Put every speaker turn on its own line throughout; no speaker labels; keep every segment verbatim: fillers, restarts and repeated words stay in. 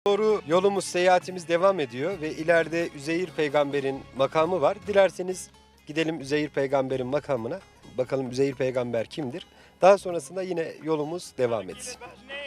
Doğru yolumuz, seyahatimiz devam ediyor ve ileride Üzeyir peygamberin makamı var. Dilerseniz gidelim Üzeyir peygamberin makamına. Bakalım Üzeyir peygamber kimdir? Daha sonrasında yine yolumuz devam etsin.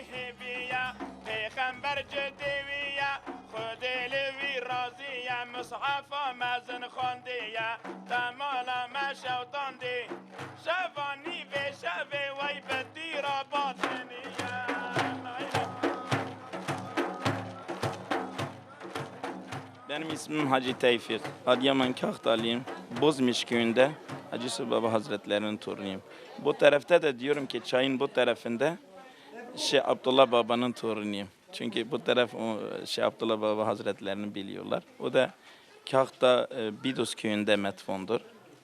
Benim ismim Hacı Tevfik. Adıyaman Kahtalıyım. Bozmiş köyünde Hacı Yusuf Baba Hazretleri'nin torunuyum. Bu tarafta da diyorum ki çayın bu tarafında Şeyh Abdullah Baba'nın torunuyum. Çünkü bu taraf o Şeyh Abdullah Baba Hazretlerini biliyorlar. O da Kahta e, Bidus köyünde metfondur.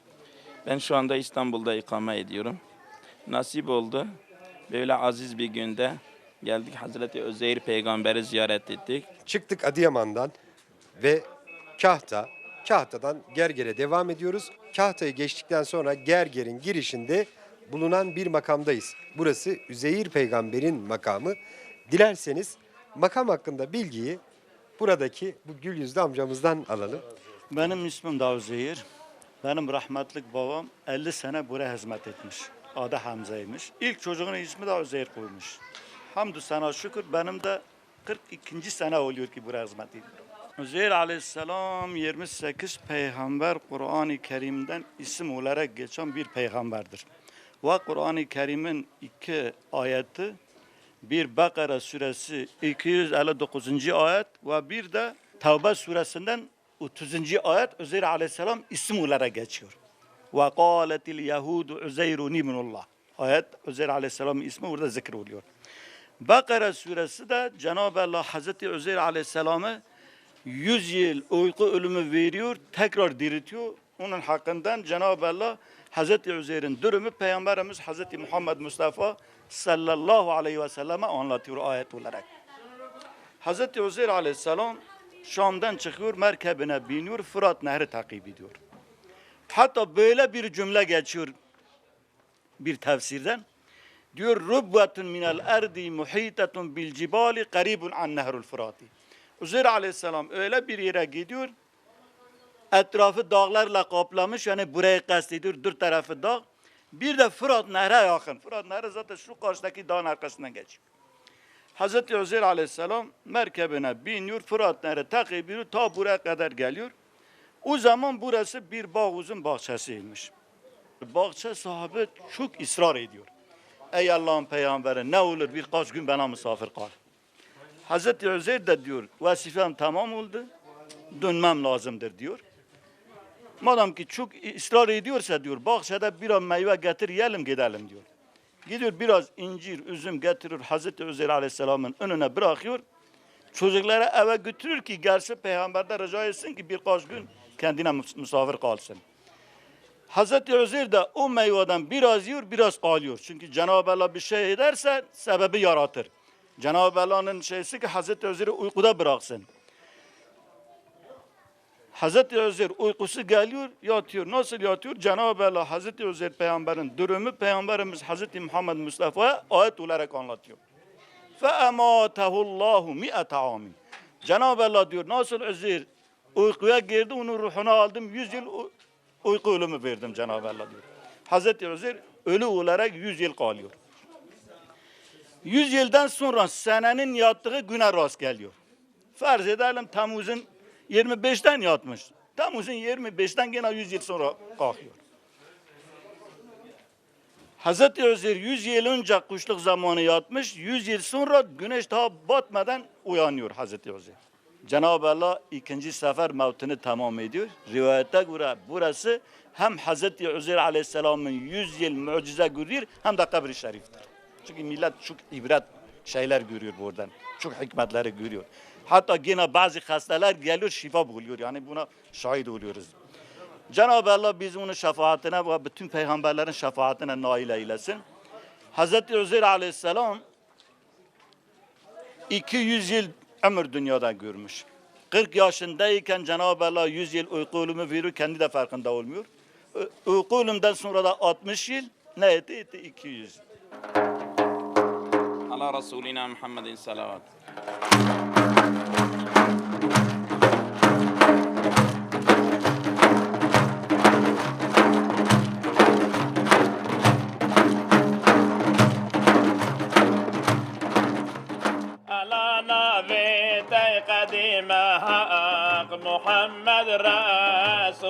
Ben şu anda İstanbul'da ikame ediyorum. Nasip oldu. Böyle aziz bir günde geldik, Hazreti Özeyir Peygamber'i ziyaret ettik.
Çıktık Adıyaman'dan ve Kahta, Kahta'dan Gerger'e devam ediyoruz. Kahta'yı geçtikten sonra Gerger'in girişinde bulunan bir makamdayız. Burası Üzeyir peygamberin makamı. Dilerseniz makam hakkında bilgiyi buradaki bu gül yüzlü amcamızdan alalım.
Benim ismim Davut Zehir. Benim rahmetlik babam elli sene buraya hizmet etmiş. Adı Hamza'ymış. İlk çocuğunun ismi de Zehir koymuş. Hamdü sana şükür benim de kırk ikinci sene oluyor ki buraya hizmet ediyorum. Üzeyir aleyhisselam yirmi sekiz peygamber Kur'an-ı Kerim'den isim olarak geçen bir peygamberdir. Ve Kur'an-ı Kerim'in iki ayeti, bir Bakara suresi iki yüz elli dokuzuncu ayet ve bir de Tevbe suresinden otuzuncu ayet Üzeyir aleyhisselam isim olarak geçiyor. Ve kâletil yehudu Üzeyrun ibnullah. Ayet Üzeyir aleyhisselamın ismi burada zikr oluyor. Bakara suresi de Cenab-ı Allah Hazreti Üzeyir aleyhisselamı yüz yıl uyku ölümü veriyor, tekrar diriltiyor. Onun hakkından Cenab-ı Allah Hazreti Üzeyr'in durumu Peygamberimiz Hazreti Muhammed Mustafa sallallahu aleyhi ve selleme anlatıyor ayet olarak. Hazreti Üzeyr aleyhisselam Şam'dan çıkıyor, merkebine biniyor, Fırat Nehri takip ediyor. Hatta böyle bir cümle geçiyor bir tefsirden. Diyor, Rubbatun minel erdi muhitetun bil cibali qaribun an nehrul Fırati. Üzeyr aleyhisselam öyle bir yere gidiyor, etrafı dağlarla kaplamış, yani burayı kastediyor, dört tarafı dağ. Bir de Fırat Nehre yakın. Fırat Nehri zaten şu karşıdaki dağın arkasından geçiyor. Hazreti Üzeyr aleyhisselam merkebine biniyor, Fırat Nehri takip ediyor, ta buraya kadar geliyor. O zaman burası bir bağuzun bahçesiymiş. Bahçe sahibi çok ısrar ediyor. Ey Allah'ın peygamberi, ne olur birkaç gün bana misafir kal. Hazreti Üzeyr de diyor, vazifem tamam oldu, dönmem lazımdır diyor. Madem ki çok ısrar ediyorsa diyor, bahçede biraz meyve getir, yiyelim gidelim diyor. Gidiyor biraz incir, üzüm getirir, Hazreti Üzeyr aleyhisselamın önüne bırakıyor. Çocuklara eve götürür ki gelse peygamberden rica etsin ki birkaç gün kendine misafir kalsın. Hazreti Üzeyr de o meyveden biraz yiyor, biraz kalıyor. Çünkü Cenab-ı Allah bir şey ederse sebebi yaratır. Cenab-ı Allah'ın şeysi ki Hazreti Üzeyir'i uykuda bıraksın. Hazreti Üzeyr uykusu geliyor, yatıyor. Nasıl yatıyor? Cenab-ı Allah Hazreti Üzeyr peygamberin durumu Peygamberimiz Hazreti Muhammed Mustafa'ya ayet olarak anlatıyor. فَاَمَاتَهُ اللّٰهُ مِئَةَ عَامٍ. Cenab-ı Allah diyor, nasıl Üzeyr uykuya girdi, onun ruhunu aldım, yüz yıl uyku ölümü verdim Cenab-ı Allah diyor. Hazreti Üzeyr ölü olarak yüz yıl kalıyor. Yüz yıldan sonra senenin yattığı güne rast geliyor. Farz edelim Temmuz'un yirmi beşten yatmış. Temmuz'un yirmi beşten gene yüz yıl sonra kalkıyor. Hazreti Üzeyr yüz yıl önce kuşluk zamanı yatmış. yüz yıl sonra güneş daha batmadan uyanıyor Hazreti Üzeyr. Cenab-ı Allah ikinci sefer mevtini tamam ediyor. Rivayete göre burası hem Hazreti Üzeyr aleyhisselamın yüz yıl mucize görüyor hem de kabri şeriftir. Çünkü millet çok ibret şeyler görüyor buradan. Çok hikmetleri görüyor. Hatta yine bazı hastalar geliyor şifa buluyor. Yani buna şahit oluyoruz. Cenab-ı Allah bizim onun şefaatine ve bütün peygamberlerin şefaatine nail eylesin. Hazreti Üzeyr aleyhisselam iki yüz yıl ömür dünyada görmüş. kırk yaşındayken Cenab-ı Allah yüz yıl uyku ölümü veriyor. Kendi de farkında olmuyor. Uyku ölümden sonra da altmış yıl ne etti? Etti iki yüz.
Ala Resulina Muhammedin salavat.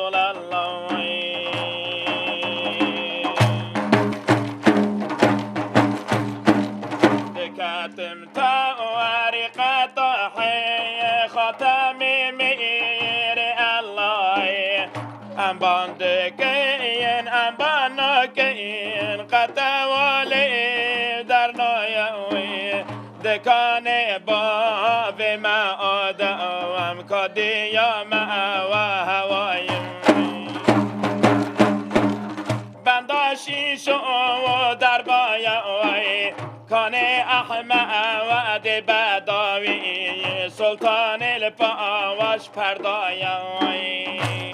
الله كاتم تورق طحي ختمي مير الله ام باندكين ام بانكين قتولي درنايوي دكان باب ما آدم كديا ما وهوايم بنداشی شو در بایای کان احمد بداوی سلطان الپاواش پردایای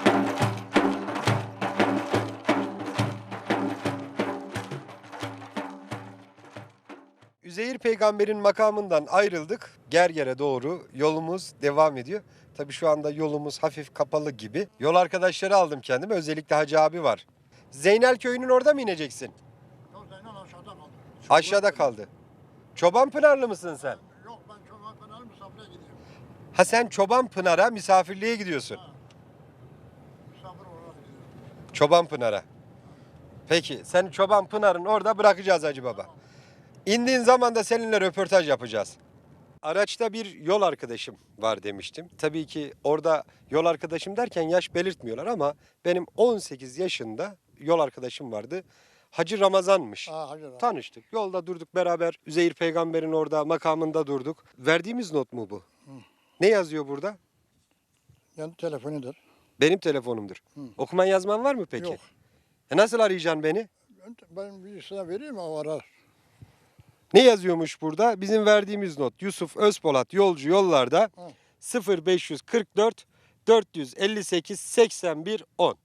Üzeyir peygamberin makamından ayrıldık. Gerger'e doğru yolumuz devam ediyor. Tabii şu anda yolumuz hafif kapalı gibi. Yol arkadaşları aldım kendime. Özellikle Hacı abi var. Zeynel köyünün orada mı ineceksin?
Yok Zeynel aşağıda kaldı.
Aşağıda kaldı. Çobanpınarlı mısın sen?
Yok ben çoban kanalı misafire gidiyorum.
Ha sen Çobanpınar'a misafirliğe gidiyorsun.
Misafir olarak gidiyorum.
Çobanpınar'a. Peki seni Çobanpınar'ın orada bırakacağız Hacı Baba. İndiğin zaman da seninle röportaj yapacağız. Araçta bir yol arkadaşım var demiştim. Tabii ki orada yol arkadaşım derken yaş belirtmiyorlar ama benim on sekiz yaşında yol arkadaşım vardı. Hacı Ramazan'mış.
Ha hacı da.
Tanıştık. Yolda durduk beraber. Üzeyir peygamberin orada makamında durduk. Verdiğimiz not mu bu? Ne yazıyor burada?
Yani telefonudur.
Benim telefonumdur. Okuman yazman var mı peki?
Yok.
E nasıl arayacaksın beni?
Ben, ben birisine vereyim o arar.
Ne yazıyormuş burada? Bizim verdiğimiz not. Yusuf Özpolat yolcu yollarda
Hı.
sıfır beş kırk dört dört yüz elli sekiz seksen bir on.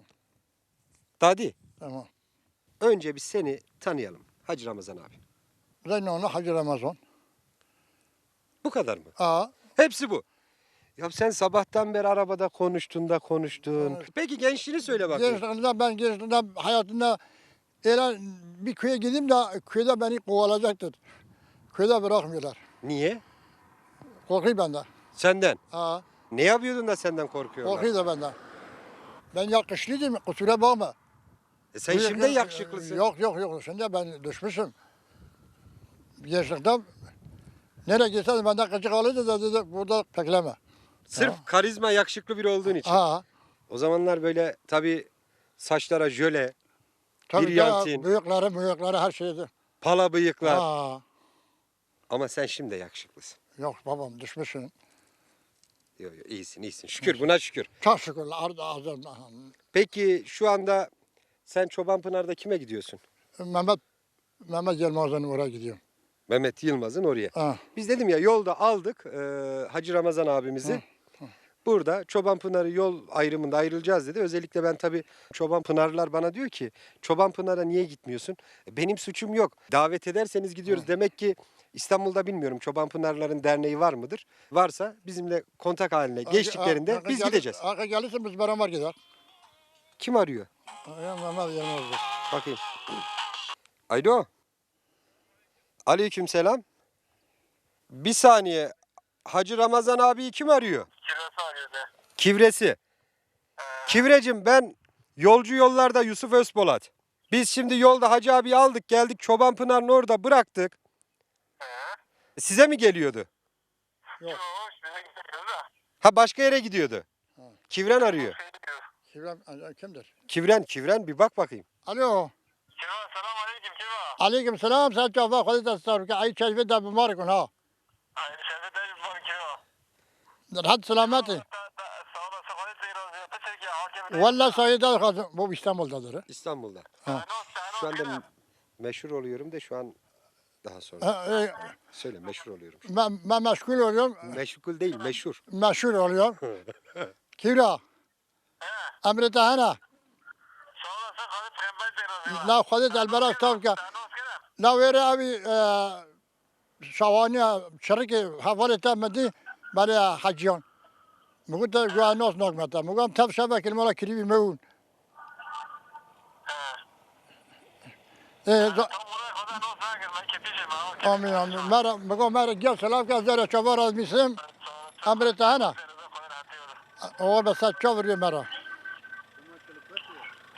Dadi,
Tamam.
önce bir seni tanıyalım. Hacı Ramazan abi.
Zeynel'le Hacı Ramazan.
Bu kadar mı?
Aa,
Hepsi bu. Ya sen sabahtan beri arabada konuştun da konuştun.
Evet.
Peki gençliğini söyle bakayım.
gençliğimde ben gençliğimde hayatımda öyle bir köye gideyim de köyde beni kovalayacaktır. Köyde bırakmıyorlar.
Niye?
Korkuyor benden.
Senden.
Aa,
Ne yapıyordun da senden korkuyorlar?
korkuyor da benden. Ben yakışlıydım, kusura bakma.
E sen
Bu
şimdi
yakın-
yakışıklısın.
Yok yok yok, şimdi ben düşmüşüm. Gençlikte nereye gitsen benden kaçık alırdı da dedi burada bekleme.
Sırf karizma yakışıklı biri olduğun için.
Aa,
O zamanlar böyle tabii saçlara jöle,
tabii
Bir
ya,
yantin.
bıyıkları bıyıkları her şeydi.
pala bıyıklar.
Aa,
Ama sen şimdi de yakışıklısın.
yok babam düşmüşsün.
Yok yok iyisin iyisin. Şükür buna şükür.
Çok şükür ardı ağzım.
Peki şu anda sen Çobanpınar'da kime gidiyorsun?
Mehmet Mehmet Yılmaz'ın oraya gidiyorum.
Mehmet Yılmaz'ın oraya.
Ha.
Biz dedim ya yolda aldık e, Hacı Ramazan abimizi. Burada Çobanpınar'ı yol ayrımında ayrılacağız dedi. Özellikle ben tabii Çobanpınarlılar bana diyor ki Çobanpınar'a niye gitmiyorsun? E, Benim suçum yok. Davet ederseniz gidiyoruz. Demek ki İstanbul'da bilmiyorum Çobanpınarlıların derneği var mıdır? Varsa bizimle kontak haline geçtiklerinde
Arka
biz
gelir-
gideceğiz.
Arka gelirse biz beraber gider.
Kim arıyor?
Ya Mehmet Yılmaz'dır.
Bakayım. Alo. Aleyküm selam. Bir saniye. Hacı Ramazan abi kim arıyor?
Kirası arıyordu.
Kivresi. Kivrecim ben yolcu yollarda Yusuf Özpolat. Biz şimdi yolda Hacı abi aldık geldik Çobanpınar'ın orada bıraktık. Size mi geliyordu?
Yok size gidiyoruz da.
Ha başka yere gidiyordu. Kivren arıyor.
Şey diyor.
Kivren, kimdir?
Kivren, Kivren bir bak bakayım.
Alo.
Kiva selam aleyküm kiva.
Aleyküm selam. Sen çok vakit estağfurullah. Ay çeşme de mübarek ol ha.
Aynı şeyde de var kiva.
Hadi selameti.
Da da sağ olasın hadi seyir olsun. Peki ki hakem.
Valla sayıda kalsın. Bu İstanbul'dadır.
İstanbul'da.
Ha.
Şu anda m- meşhur oluyorum da şu an daha sonra.
Ha, e,
Söyle meşhur oluyorum.
Ben, ben meşgul oluyorum.
Meşgul değil meşhur.
Meşhur oluyorum. Kira. Emrete hana.
Sağ olasın hadi peygamber seyir olsun.
La khadet elberak tavka.
Sen olsun.
La veri abi şavani şarkı havalı temedi bari hacıyan. Bugün de güvenos nokmata. Bugün tav şabek ilmala kiribi meun. E,
Tam buraya kadar ne olsun herkes ben kepişim ha.
amin amin. Mera, bugün mera gel selam ka zara çavar az misim. Emrete hana. O da sa çavırıyor mera.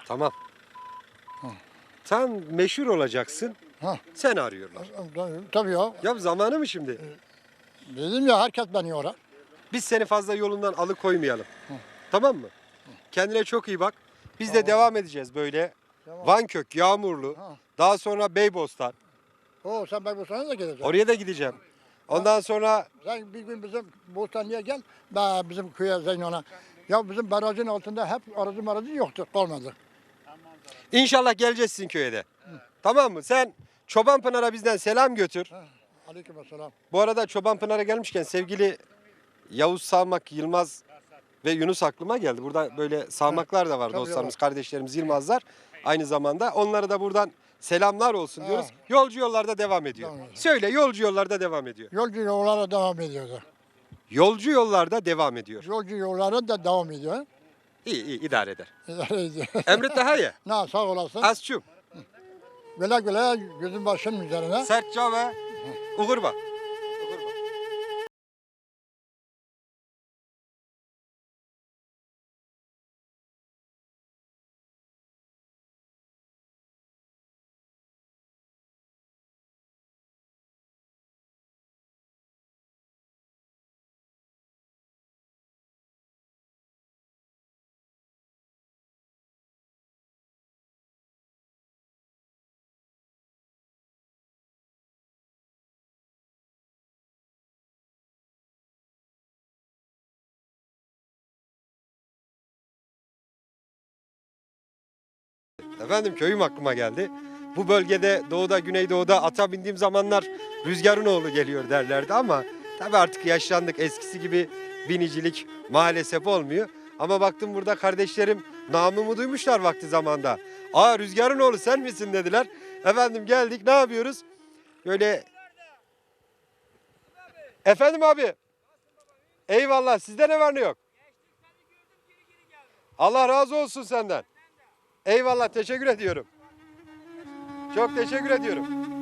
Tamam. Sen meşhur olacaksın.
Ha.
Sen arıyorlar.
Tabii ya.
Ya zamanı mı şimdi?
Dedim ya herkes beni yorar.
Biz seni fazla yolundan alıkoymayalım. Tamam mı? Kendine çok iyi bak. Biz de devam edeceğiz böyle.
Tamam.
Vankök, Yağmurlu.
Ha.
Daha sonra Beybostan.
Oo sen bak bu sana da geleceksin.
Oraya da gideceğim. Ondan sonra
Sen bir gün bizim Bostanlı'ya gel. Ben bizim köye Zeynon'a. Ya bizim barajın altında hep aracı maracı yoktu. Kalmadı.
inşallah geleceğiz sizin köye de. Tamam mı? Sen Çobanpınar'a bizden selam götür.
Aleykümselam.
Bu arada Çobanpınar'a gelmişken sevgili Yavuz Sağmak, Yılmaz ve Yunus aklıma geldi. Burada böyle sağmaklar da var,
Tabii
dostlarımız,
var.
kardeşlerimiz Yılmazlar. Aynı zamanda onlara da buradan selamlar olsun diyoruz.
Ha.
Yolcu yollarda devam ediyor.
Devam ediyor.
Söyle, yolcu yollarda devam ediyor.
Yolcu yollara devam ediyordu.
Yolcu yollarda devam ediyor.
Yolcu yollara da devam ediyor.
İyi iyi idare eder.
İdare ediyor.
Emret daha iyi.
Na sağ olasın.
Asçum,
Güle güle gözün başın üzerine.
sertçe ve uğurba. Efendim köyüm aklıma geldi. Bu bölgede doğuda güneydoğuda ata bindiğim zamanlar rüzgarın oğlu geliyor derlerdi ama tabii artık yaşlandık, eskisi gibi binicilik maalesef olmuyor. Ama baktım burada kardeşlerim namımı duymuşlar vakti zamanda. Aa rüzgarın oğlu sen misin dediler. Efendim geldik, ne yapıyoruz? Böyle efendim abi. Eyvallah, sizde ne var ne yok? Allah razı olsun senden. Eyvallah, teşekkür ediyorum. Çok teşekkür ediyorum.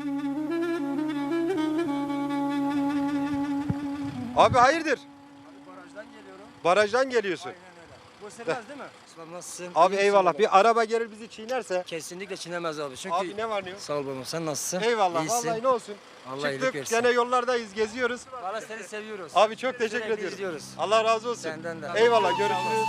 Abi hayırdır?
Barajdan geliyorum.
Barajdan geliyorsun.
Aynen öyle. Bu sürmez değil mi? Ustam nasılsın?
Abi
İyisin
eyvallah.
baba.
Bir araba gelir bizi çiğnerse.
Kesinlikle çiğnemez abi. Çünkü
Abi ne var ne yok?
sağ ol babam. Sen nasılsın?
Eyvallah.
İyisin.
Vallahi ne olsun.
Allah iyilik
Çıktık
versin.
gene yollardayız, geziyoruz.
Valla seni seviyoruz.
Abi çok teşekkür
Sürekli
ediyorum.
izliyoruz.
Allah razı olsun.
Senden de.
Eyvallah,
Sağ
görüşürüz.
olasın.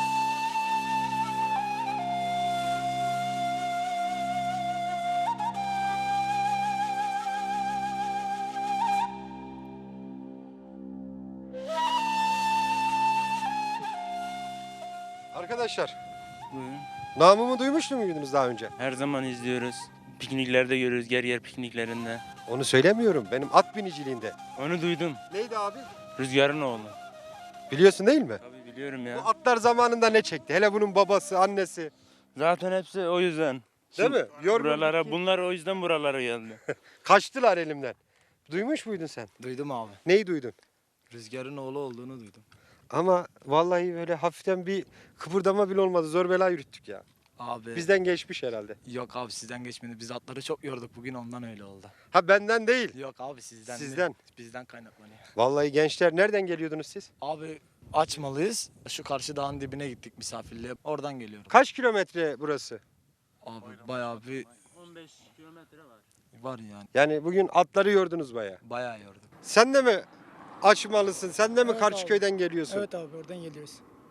Arkadaşlar,
Buyurun.
namımı duymuş muydunuz daha önce?
Her zaman izliyoruz. Pikniklerde görüyoruz, yer yer pikniklerinde.
Onu söylemiyorum. Benim at biniciliğinde.
Onu duydum.
Neydi abi?
Rüzgarın oğlu.
Biliyorsun değil mi?
Tabii biliyorum
Bu
ya.
atlar zamanında ne çekti? Hele bunun babası, annesi.
Zaten hepsi o yüzden.
Değil mi? Yorgun
Buralara,
gitti.
bunlar o yüzden buralara geldi.
Kaçtılar elimden. Duymuş muydun sen?
Duydum abi.
Neyi duydun?
Rüzgarın oğlu olduğunu duydum.
Ama vallahi böyle hafiften bir kıpırdama bile olmadı. Zor bela yürüttük ya.
Abi
Bizden geçmiş herhalde.
yok abi sizden geçmedi. Biz atları çok yorduk bugün ondan öyle oldu.
Ha benden değil.
Yok abi sizden. değil.
Sizden.
Bizden kaynaklanıyor.
Vallahi gençler nereden geliyordunuz siz?
Abi açmalıyız. Şu karşı dağın dibine gittik misafirliğe. Oradan geliyorum.
Kaç kilometre burası?
Abi bayağı bir
on beş kilometre var.
var yani.
Yani bugün atları yordunuz bayağı.
Bayağı yorduk.
Sen de mi açmalısın? Sen de mi
Evet
Karşıköy'den geliyorsun?
Evet abi oradan geliyoruz.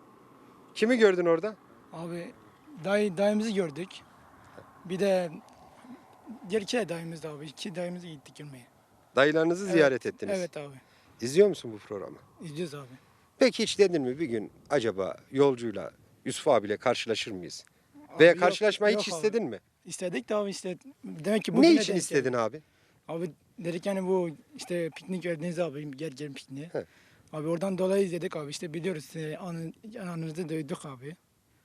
Kimi gördün orada?
Abi dayı, dayımızı gördük. Bir de diğer iki dayımız da abi. İki dayımızı gittik görmeye.
Dayılarınızı
Evet,
ziyaret ettiniz.
Evet abi.
İzliyor musun bu programı?
İzliyoruz abi.
Peki hiç dedin mi bir gün acaba yolcuyla Yusuf abiyle karşılaşır mıyız? Veya
Abi yok-
karşılaşmayı hiç
yok abi.
istedin mi?
İstedik de abi işte. Demek ki
Ne
bugüne
için
denk
istedin
geldi.
abi?
Abi dedik yani bu işte piknik verdiniz abi. Gel gel pikniğe.
He.
Abi oradan dolayı izledik abi. İşte biliyoruz. E, anı, anınızı duyduk abi.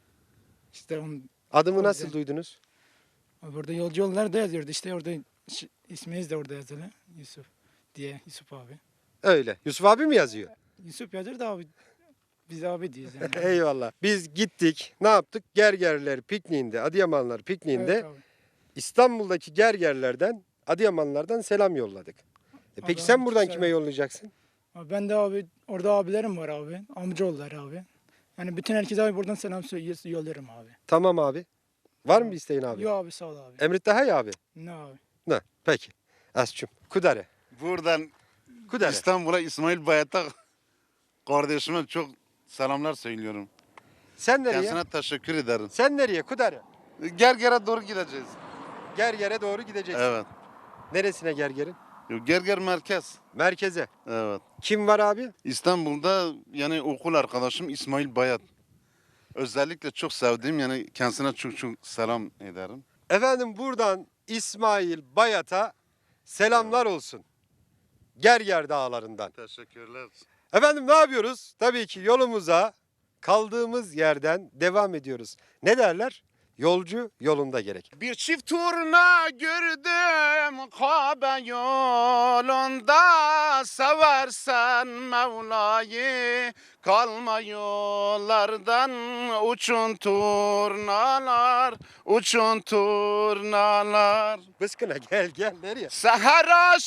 İşte on,
Adımı
O
nasıl
yüzden-
duydunuz?
abi orada yolcu yollar da yazıyordu. İşte orada ş- isminiz de orada yazılı. Yusuf diye Yusuf abi.
Öyle. Yusuf abi mi yazıyor?
Yusuf yazır da abi. Biz abi diyoruz yani.
Eyvallah. Biz gittik. Ne yaptık? Gergerler pikniğinde, Adıyamanlar pikniğinde
Evet abi.
İstanbul'daki gergerlerden, Adıyamanlardan selam yolladık. E peki
Abi,
sen buradan
güzel.
kime yollayacaksın?
Abi ben de abi orada abilerim var abi. Amcaoğulları abi. Yani bütün herkese abi buradan selam söyle- yollarım abi.
Tamam abi. Var mı bir isteğin abi?
Yok abi sağ ol abi.
Emrit daha iyi abi.
Ne abi?
Ne? Peki. Asçım. Kudare.
Buradan
Kudare.
İstanbul'a İsmail Bayat'a kardeşime çok selamlar söylüyorum.
Sen nereye?
Kendisine teşekkür ederim.
Sen nereye? Kudare.
Gerger'e doğru gideceğiz.
Gerger'e doğru gideceksin.
Evet.
Neresine Gerger'in?
Gerger merkez.
Merkeze.
Evet.
Kim var abi?
İstanbul'da yani okul arkadaşım İsmail Bayat. Özellikle çok sevdiğim yani kendisine çok çok selam ederim.
Efendim buradan İsmail Bayat'a selamlar olsun. Gerger dağlarından.
Teşekkürler.
Efendim ne yapıyoruz? Tabii ki yolumuza kaldığımız yerden devam ediyoruz. Ne derler? Yolcu yolunda gerek.
Bir çift turna gördüm Kabe yolunda, seversen Mevla'yı kalma yollardan, uçun turnalar, uçun turnalar.
Bıskına gel gel nereye?
Seher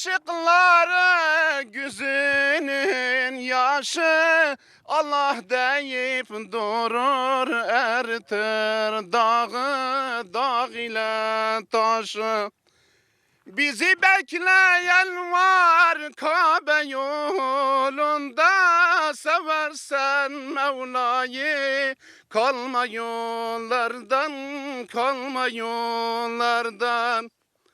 aşıkları gözünün yaşı, Allah deyip durur ertir dağı, dağ ile taşı. Bizi bekleyen var Kabe yolunda, seversen Mevla'yı kalma yollardan, kalma yollardan.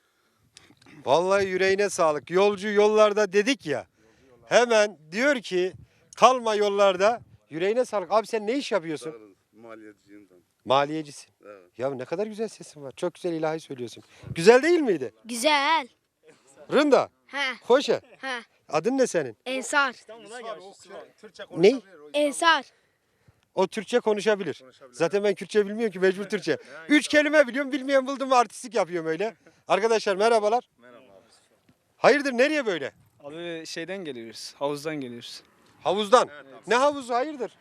Vallahi yüreğine sağlık. Yolcu yollarda dedik ya. Hemen diyor ki kalma yollarda. Yüreğine sağlık. Abi sen ne iş yapıyorsun?
Maliyeciyim ben.
Maliyecisin.
Evet.
Ya ne kadar güzel sesin var. Çok güzel ilahi söylüyorsun. Güzel değil miydi?
Güzel.
Rında.
Ha
Hoşa.
ha.
Adın ne senin?
Ensar.
Ne?
Ensar.
O Türkçe konuşabilir. Zaten ben Kürtçe bilmiyorum ki mecbur Türkçe. Üç kelime biliyorum, bilmeyen buldum mu artistik yapıyorum öyle. Arkadaşlar merhabalar. Merhaba abi. Hayırdır nereye böyle?
Abi şeyden geliyoruz. Havuzdan geliyoruz.
Havuzdan. Ne havuzu hayırdır?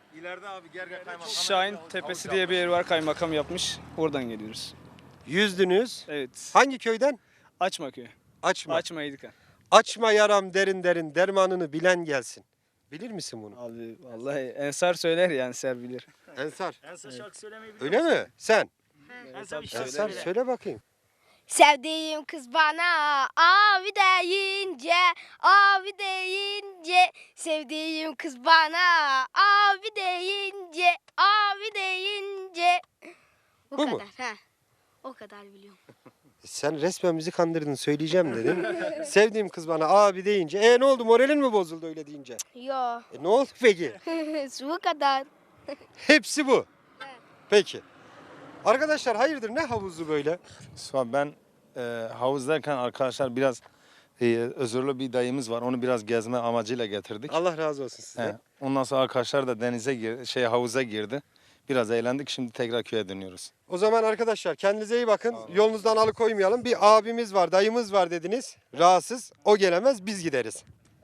Şahin Tepesi diye bir yer var, kaymakam yapmış. Oradan geliyoruz.
Yüzdünüz.
Evet.
Hangi köyden?
Açma köyü.
Açma.
Açma Yedika.
Açma yaram derin derin dermanını bilen gelsin. Bilir misin bunu?
Abi vallahi Ensar söyler ya, Ensar bilir.
Ensar.
Ensar şarkı söylemeyi
Öyle mi? Sen?
Ensar,
Ensar söyle bakayım.
Sevdiğim kız bana abi deyince, abi deyince. Sevdiğim kız bana abi deyince, abi deyince. O
Bu
kadar.
mu?
Ha. O kadar biliyorum.
Sen resmen bizi kandırdın söyleyeceğim dedin. Sevdiğim kız bana abi deyince. E ne oldu moralin mi bozuldu öyle deyince?
Yo.
E ne oldu peki?
Bu kadar.
Hepsi bu. Peki. Arkadaşlar hayırdır ne havuzu böyle?
Ben e, havuzdayken arkadaşlar biraz e, özürlü bir dayımız var. Onu biraz gezme amacıyla getirdik.
Allah razı olsun size.
He. Ondan sonra arkadaşlar da denize gir, şey havuza girdi. Biraz eğlendik. Şimdi tekrar köye dönüyoruz.
O zaman arkadaşlar kendinize iyi bakın. Yolunuzdan alıkoymayalım. Bir abimiz var, dayımız var dediniz. Rahatsız. O gelemez, biz gideriz.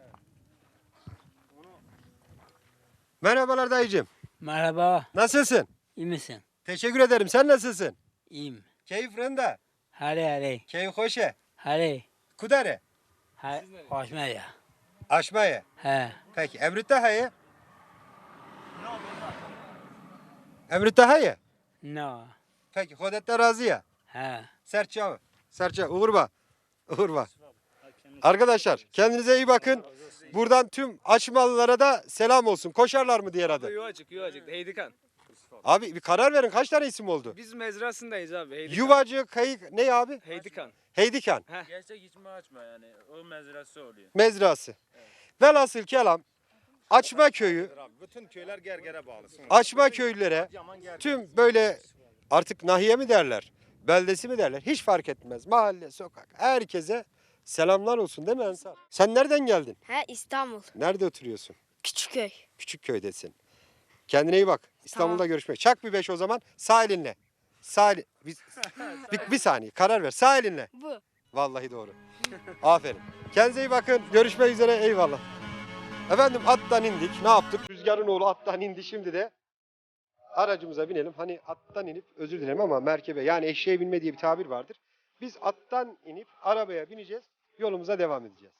Merhabalar dayıcığım.
Merhaba.
Nasılsın?
İyi misin?
Teşekkür ederim. Sen nasılsın?
İyiyim.
Keyif rında.
Hare hare.
Keyif hoşe.
Hare.
Kudare.
Ha, hoşma ya.
Aşmaya.
He.
Peki. Emrit daha iyi. Emrit daha iyi.
No.
Peki. Hodette razıya.
He.
Serçe. Serçe. Uğurba. Uğurba. Arkadaşlar kendinize iyi bakın. Buradan tüm açmalılara da selam olsun. Koşarlar mı diğer adı?
Yuvacık, Yuvacık. Heydikan.
Abi bir karar verin. Kaç tane isim oldu?
Biz mezrasındayız abi. Heydikan.
Yuvacı, kayık, ne abi?
Heydikan.
Heydikan.
Gerçek içme açma yani. O mezrası oluyor.
Mezrası. Velhasıl kelam Açma köyü,
Bütün köyler Gerger'e bağlı.
Açma köylülere tüm böyle artık nahiye mi derler, beldesi mi derler hiç fark etmez. Mahalle, sokak herkese selamlar olsun değil mi Ensar? Sen nereden geldin?
Ha İstanbul.
Nerede oturuyorsun?
Küçükköy.
Küçükköy'desin. Kendine iyi bak. İstanbul'da
Tamam.
görüşmek. Çak bir beş o zaman. Sağ elinle. Sağ elin- bir, bir, bir saniye karar ver. Sağ elinle.
Bu.
Vallahi doğru. Aferin. Kendinize iyi bakın. Görüşmek üzere. Eyvallah. Efendim attan indik. Ne yaptık? Rüzgarın oğlu attan indi. Şimdi de aracımıza binelim. Hani attan inip özür dilerim ama merkebe yani eşeğe binme diye bir tabir vardır. Biz attan inip arabaya bineceğiz. Yolumuza devam edeceğiz.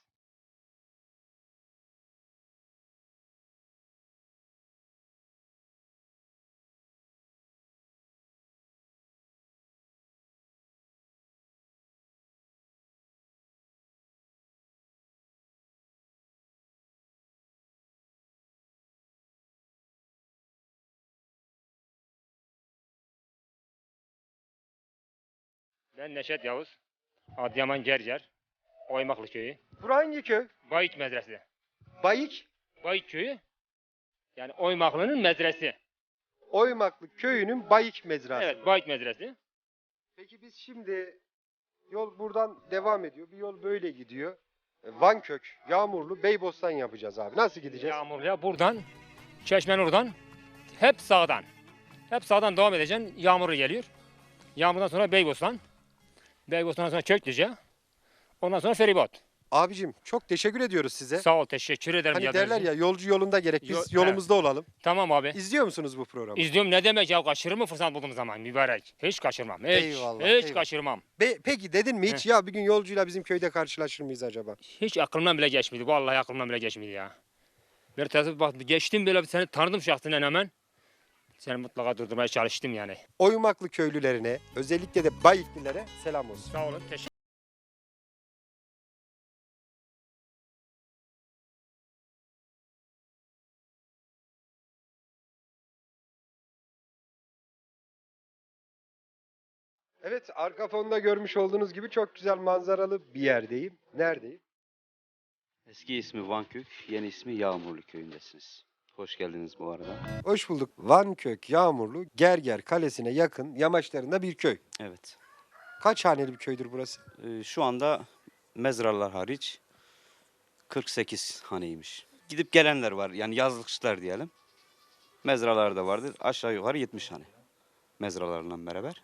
Ben Neşet Yavuz. Adıyaman Gerger. Oymaklı köyü.
Bura hangi köy?
Bayit medresi.
Bayık
Bayit köyü. Yani Oymaklı'nın medresi.
Oymaklı köyünün Bayık mezrası.
Evet, Bayit medresi.
Peki biz şimdi yol buradan devam ediyor. Bir yol böyle gidiyor. Vankök, Yağmurlu, Beybostan yapacağız abi. Nasıl gideceğiz?
Yağmurlu'ya buradan, Çeşmen oradan, hep sağdan. Hep sağdan devam edeceksin. Yağmurlu geliyor. Yağmurdan sonra Beybostan. Beybostan'dan sonra Köklüce. Ondan sonra feribot.
Abicim çok teşekkür ediyoruz size.
Sağ ol, teşekkür ederim.
Hani
geldiğiniz
derler
için.
ya yolcu yolunda gerek. Biz
Yo-
yolumuzda olalım.
Tamam abi.
İzliyor musunuz bu programı?
İzliyorum, ne demek ya, kaçırır mı fırsat bulduğum zaman mübarek? Hiç kaçırmam. Hiç,
Eyvallah,
hiç
eyvallah.
kaçırmam.
Be- peki dedin mi hiç ya bir gün yolcuyla bizim köyde karşılaşır mıyız acaba?
Hiç aklımdan bile geçmedi. Vallahi aklımdan bile geçmedi ya. Bir tesadüf bak, geçtim böyle, seni tanıdım şahsinen hemen. Seni mutlaka durdurmaya çalıştım yani.
Oymaklı köylülerine, özellikle de Bayıklilere selam olsun.
Sağ olun, teşekkür
Evet, arka fonda görmüş olduğunuz gibi çok güzel manzaralı bir yerdeyim. Neredeyim?
Eski ismi Vankök, yeni ismi Yağmurlu köyündesiniz. Hoş geldiniz bu arada.
Hoş bulduk. Vankök, Yağmurlu, Gerger Kalesi'ne yakın yamaçlarında bir köy.
Evet.
Kaç haneli bir köydür burası?
Ee, şu anda mezralar hariç kırk sekiz haneymiş. Gidip gelenler var, yani yazlıkçılar diyelim. Mezralar da vardır. Aşağı yukarı yetmiş hane. Mezralarla beraber.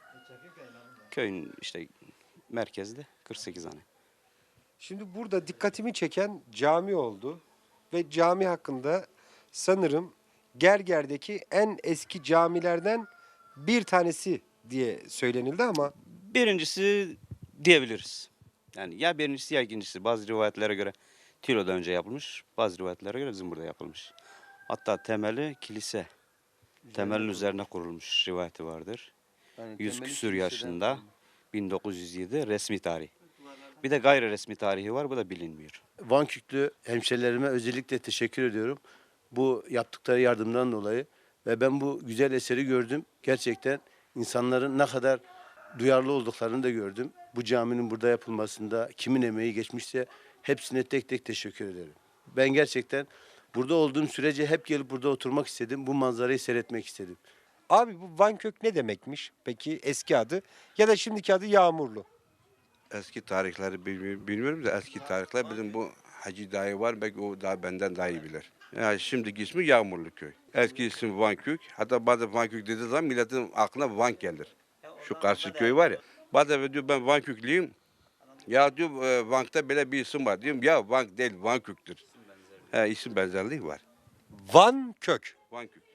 Köyün işte merkezde kırk sekiz hane.
Şimdi burada dikkatimi çeken cami oldu. Ve cami hakkında sanırım Gerger'deki en eski camilerden bir tanesi diye söylenildi ama
Birincisi diyebiliriz. Yani ya birincisi ya ikincisi. Bazı rivayetlere göre Tilo'da önce yapılmış. Bazı rivayetlere göre bizim burada yapılmış. Hatta temeli kilise. Temelin üzerine kurulmuş rivayeti vardır. Yüz küsür yaşında bin dokuz yüz yedi resmi tarih. Bir de gayri resmi tarihi var, bu da bilinmiyor.
Vanküklü hemşerilerime özellikle teşekkür ediyorum. Bu yaptıkları yardımdan dolayı ve ben bu güzel eseri gördüm. Gerçekten insanların ne kadar duyarlı olduklarını da gördüm. Bu caminin burada yapılmasında kimin emeği geçmişse hepsine tek tek teşekkür ederim. Ben gerçekten burada olduğum sürece hep gelip burada oturmak istedim. Bu manzarayı seyretmek istedim.
abi bu Vankök ne demekmiş? Peki eski adı ya da şimdiki adı Yağmurlu.
Eski tarihleri bilmi- bilmiyorum da eski tarihler bizim bu Hacı dayı var, belki o daha benden daha iyi bilir. Yani şimdiki ismi Yağmurlu köy. Eski ismi Vankök. Hatta bazen Vankök dediği zaman milletin aklına Vank gelir. Şu karşı köy var ya. Bazen diyor ben Vanköklüyüm. Ya diyor e, Vank'ta böyle bir isim var. Diyorum ya Vank değil Vankök'tür. He, isim benzerliği var.
Vankök.
Vankök.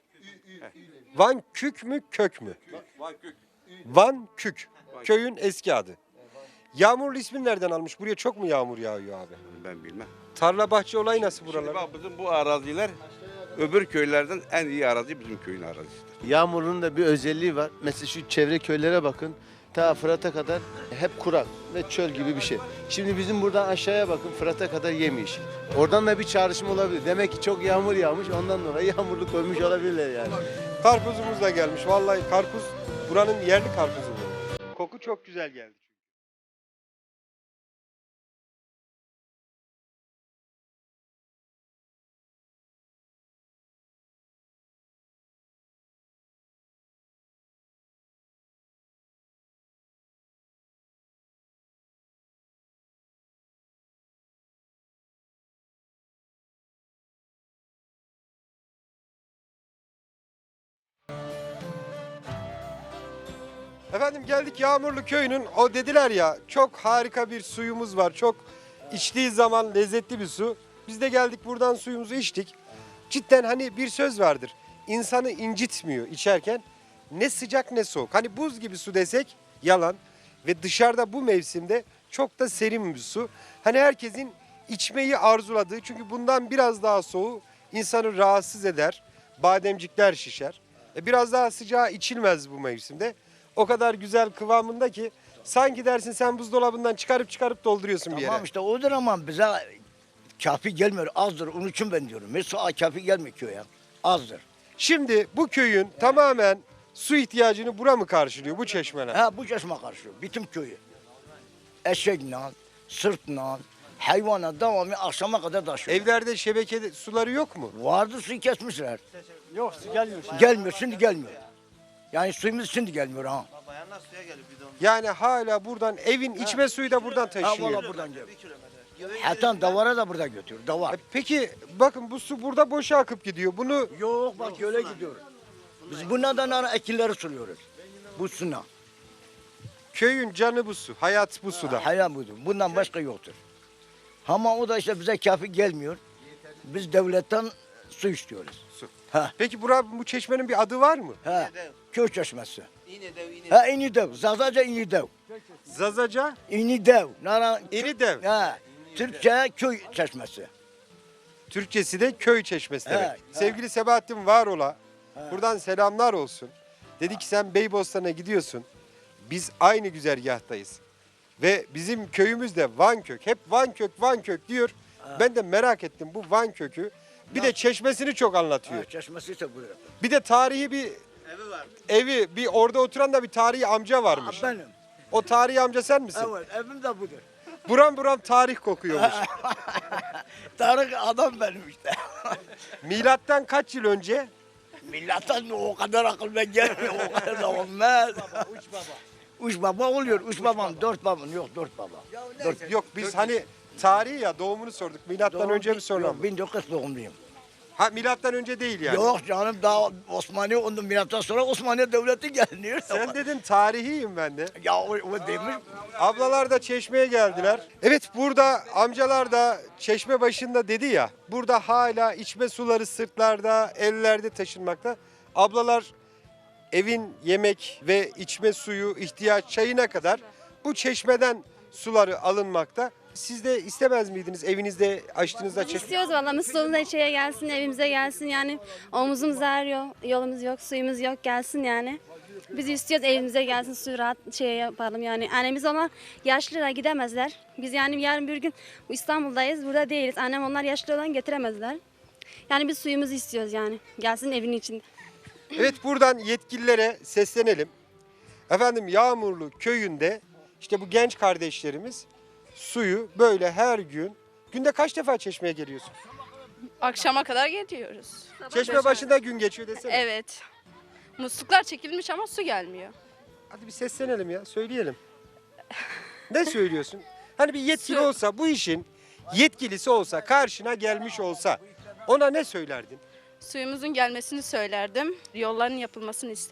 Vankük mü kök mü?
Vankök.
Vankük. Köyün eski adı. Yağmurlu ismini nereden almış? Buraya çok mu yağmur yağıyor abi?
Ben bilmem.
Tarla bahçe olayı nasıl
Şimdi
buralar?
bak bizim bu araziler öbür köylerden en iyi arazi bizim köyün arazisidir.
Yağmurlu'nun da bir özelliği var. Mesela şu çevre köylere bakın. Ta Fırat'a kadar hep kurak ve çöl gibi bir şey. Şimdi bizim buradan aşağıya bakın, Fırat'a kadar yemyeşil. Oradan da bir çağrışım olabilir. Demek ki çok yağmur yağmış, ondan dolayı yağmurlu koymuş olabilirler yani.
Karpuzumuz da gelmiş. Vallahi karpuz buranın yerli karpuzu bu. Koku çok güzel geldi. Efendim geldik Yağmurlu köyünün, o dediler ya çok harika bir suyumuz var. Çok içtiği zaman lezzetli bir su. Biz de geldik buradan suyumuzu içtik. Cidden hani bir söz vardır. İnsanı incitmiyor içerken. Ne sıcak ne soğuk. Hani buz gibi su desek yalan. Ve dışarıda bu mevsimde çok da serin bir su. Hani herkesin içmeyi arzuladığı, çünkü bundan biraz daha soğuğu insanı rahatsız eder. Bademcikler şişer. E biraz daha sıcağı içilmez bu mevsimde. O kadar güzel kıvamında ki sanki dersin sen buzdolabından çıkarıp çıkarıp dolduruyorsun bir yere.
Tamam işte odur ama bize kafi gelmiyor, azdır. Onun için ben diyorum. Mesela kafi gelmiyor köye, azdır.
Şimdi bu köyün tamamen su ihtiyacını bura mı karşılıyor, bu çeşmeler?
Ha bu çeşme karşılıyor, bütün köyü. eşekle, sırtla, hayvana devamlı akşama kadar taşıyor.
Evlerde şebeke suları yok mu?
Vardı, suyu kesmişler.
Yok su gelmiyor. Şimdi.
Gelmiyor, şimdi gelmiyor. Yani suyumuz şimdi gelmiyor ha.
Yani hala buradan evin içme suyu da buradan
Ha
taşıyor.
valla buradan geliyor. Hatta davara da burada götürüyor, davar.
E Peki bakın bu su burada boşa akıp gidiyor. Bunu
Yok bak göle gidiyor. Biz bunlardan ara ekinleri suluyoruz. Bu suna.
köyün canı bu su. Hayat bu suda.
Hayal budur. Bundan başka yoktur. Ama o da işte bize kafi gelmiyor. Biz devletten su istiyoruz.
Su.
Ha.
Peki bura, bu çeşmenin bir adı var mı?
Ha. Köy çeşmesi. Ha İnidev. Zazaca İnidev.
Zazaca
İnidev. Nara
İnidev.
Ha. Türkçe köy çeşmesi.
Türkçesi de köy çeşmesi
He,
demek.
he.
Sevgili Sebahattin Varola, buradan selamlar olsun. Dedi ki sen Beybostan'a gidiyorsun. Biz aynı güzergahtayız. Ve bizim köyümüz de Vankök. Hep Vankök, Vankök diyor. Ben de merak ettim bu Vankök'ü. Bir de çeşmesini çok anlatıyor.
Ha, çeşmesi ise budur.
Bir de tarihi bir
Evi var.
evi, bir orada oturan da bir tarihi amca varmış.
Benim.
O tarihi amca sen misin?
Evet, evim de budur.
Buram buram tarih kokuyormuş.
Tarık adam benim işte.
Milattan kaç yıl önce?
Milletten o kadar akıl ben gelmiyor, o kadar da olmaz. Uç baba. Uç baba oluyor, uç babam, dört babam, yok dört baba. Dört.
Yok biz hani tarihi ya doğumunu sorduk. Milattan
Doğum-
önce mi sonra
Yok,
mı?
bin dokuz yüz doğumluyum.
Ha milattan önce değil yani.
Yok canım daha Osmanlı ondan milattan sonra Osmanlı Devleti gelmiyor.
Sen dedin tarihiyim ben de.
Ya o, o demiş.
Ablalar da çeşmeye geldiler. Evet burada amcalar da çeşme başında dedi ya. Burada hala içme suları sırtlarda, ellerde taşınmakta. Ablalar evin yemek ve içme suyu, ihtiyaç çayına kadar bu çeşmeden suları alınmakta. Siz de istemez miydiniz evinizde açtığınızda çeşme?
İstiyoruz valla musluğumuz içeriye gelsin, evimize gelsin yani. Omuzumuz ağrıyor, yolumuz yok, suyumuz yok gelsin yani. Biz istiyoruz evimize gelsin, suyu rahat şey yapalım yani. Annemiz onlar yaşlılar gidemezler. Biz yani yarın bir gün İstanbul'dayız, burada değiliz. Annem onlar yaşlı olan getiremezler. Yani biz suyumuzu istiyoruz yani. Gelsin evin içinde.
Evet buradan yetkililere seslenelim. Efendim Yağmurlu köyünde işte bu genç kardeşlerimiz suyu böyle her gün, günde kaç defa çeşmeye geliyorsun?
Akşama kadar geliyoruz.
Çeşme başında gün geçiyor desene.
Evet. Musluklar çekilmiş ama su gelmiyor.
Hadi bir seslenelim ya, söyleyelim. Ne söylüyorsun? Hani bir yetkili
Su-
olsa, bu işin yetkilisi olsa, karşına gelmiş olsa ona ne söylerdin?
Suyumuzun gelmesini söylerdim. Yolların yapılmasını isterdim.